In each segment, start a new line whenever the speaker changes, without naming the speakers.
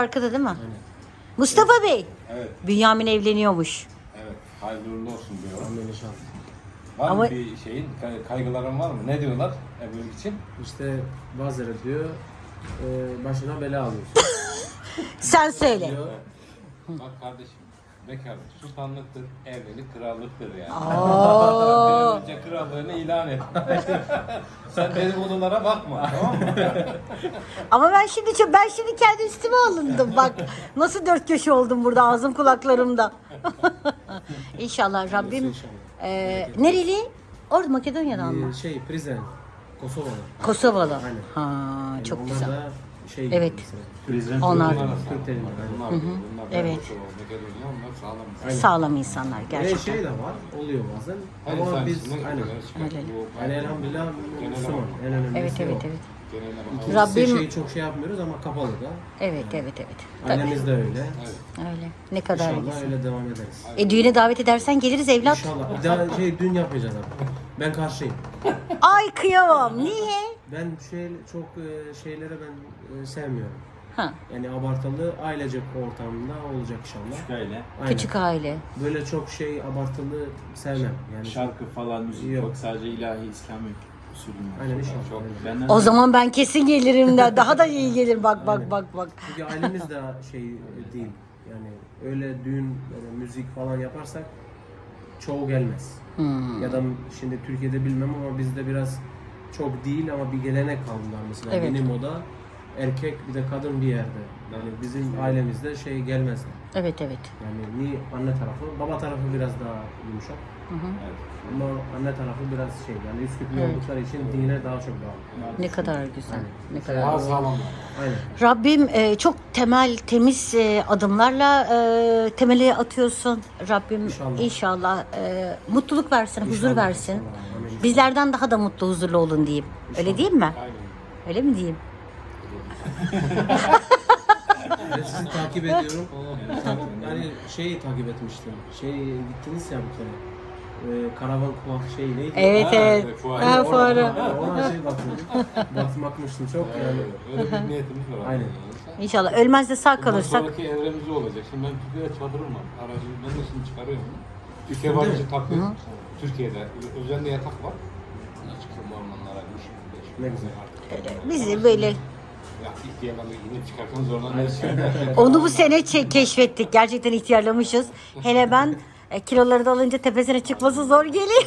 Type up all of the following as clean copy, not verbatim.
Arkada değil mi?
Aynen.
Mustafa Bey.
Evet,
Bünyamin evleniyormuş.
evet. Hayırlı uğurlu olsun diyorum.
Amin inşallah.
Var
Ama-
mı bir şeyin, kaygıların var mı? Ne diyorlar evlilik için?
İşte bazıları diyor başına bela alıyorsun.
Sen söyle.
Diyor.
Bak kardeşim, bekarlık sultanlıktır, evlilik krallıktır yani.
Oo.
Bir an önce krallığını ilan et. Sen dedikodulara bakma, tamam mı?
Ama ben şimdi kendi üstüme alındım. Bak nasıl dört köşe oldum burada ağzım kulaklarımda. İnşallah Rabbim.
İnşallah.
Nereli? Orada Makedonya'dan mı?
Prizren. Kosovalı.
Kosovalı.
Aynen.
Ha
Yani
çok
onlar
güzel.
da şey
Evet.
mesela,
Onlar.
Türk telinde.
Bunlar, bunlar
Evet.
Makedonya, onlar sağlam.
Aynen.
Sağlam insanlar
Ve
gerçekten.
şey de var, oluyor bazen.
Hayır,
Ama
sen
biz
içinden
aynen.
gidiyorlar, çıkar.
Öyle.
Bu-
Yani elhamdülillah
Genel
Müslüman.
olarak.
En önemlisi
Evet
o.
evet evet.
Genel olarak.
İkincisi
Rabbim-
şeyi çok şey yapmıyoruz ama kapalı da.
Evet evet evet. Tabii.
Annemiz de öyle.
Evet.
Öyle. Ne kadar
İnşallah
güzel.
öyle devam ederiz.
Düğüne davet edersen geliriz evlat.
İnşallah. Bir daha dün yapmayacağız abi. Ben karşıyım.
Ay kıyamam. Niye?
Ben çok şeylere ben sevmiyorum.
Ha,
Yani abartılı ailecek ortamında olacak inşallah.
Küçük aile.
Aynen.
küçük aile.
Böyle çok şey abartılı sevmem. Yani
Şarkı falan müzik
Yok.
yok. Sadece ilahi İslami usulü.
Aynen inşallah.
Çok.
Aynen.
Benden
O zaman ben kesin gelirim de daha da iyi gelir bak bak bak bak.
Çünkü ailemiz de şey değil. Yani öyle düğün, böyle müzik falan yaparsak çoğu gelmez. Ya da şimdi Türkiye'de bilmem ama bizde biraz çok değil ama bir gelenek kaldılar mesela.
Evet.
Benim oda erkek bir de kadın bir yerde. Yani bizim ailemizde şey gelmezler.
Evet evet.
Yani ni anne tarafı, baba tarafı biraz daha yumuşak. Ama anne tarafı biraz şey yani Üsküplü
Evet.
oldukları için dine daha çok bağlı.
Ne kadar güzel. Ne kadar
Daha
güzel.
sağlam.
Aynen.
Rabbim çok temiz adımlarla temeli atıyorsun. Rabbim
İnşallah.
inşallah mutluluk versin, huzur
İnşallah,
versin.
inşallah. Amin.
Bizlerden daha da mutlu, huzurlu olun diyeyim. Öyle değil mi?
Aynen.
Öyle mi diyeyim?
Ben sizi takip ediyorum. Yani şeyi takip etmiştim. Gittiniz ya bir kere. Karavan kulak şey neydi?
Evet
Ha,
evet.
fuarı.
Ha, fuarı.
Ona şey bakıyordum. Bakmıştım çok yani.
Öyle bir niyetimiz var.
Aynen.
İnşallah ölmez de sağ
Bundan
kalırsak.
sonraki evremiz olacak. Şimdi ben Türkiye'de çadırım var. Aracı ben de şimdi çıkarıyorum. Türkiye
Üstünde
barışı
mi?
takıyor. Türkiye'de özellikle yatak var. Buna çıkıyorum ormanlara.
Ne güzel.
Bizi böyle
Ya ihtiyarlarla inip çıkarken zorlanıyoruz.
onu bu sene keşfettik. Gerçekten ihtiyarlamışız. Hele ben kiloları da alınca tepesine çıkması zor geliyor.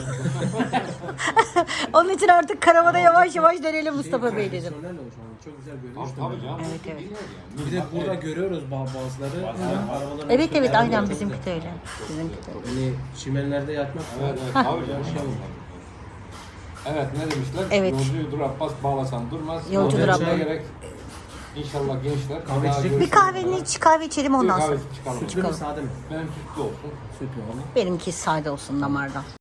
Onun için artık karavana yavaş yavaş dönelim Mustafa Bey dedim.
Profesyonel o şu an. Çok güzel görünüyor.
Tabii canım.
Evet, evet.
Bir de burada görüyoruz bazıları. Arabaların
Evet
üstünde
evet
araba
aynen
çok
bizimki
güzel.
de öyle. Bizimki de öyle.
Yani çimenlerde yatmak
Evet, evet, tabii canım. Evet, ne demişler?
Evet.
Yolcuyudur Abbas, bağlasan durmaz.
Yolcudur
Yolcuya
Abbas.
gerek. İnşallah gençler.
Kahve
daha
içecek
Bir kahve içelim ondan sonra.
Kahve çıkalım.
Sütlü mü sade mi?
Benim sütlü olsun.
Sütlü ama.
Benimki sade olsun damardan.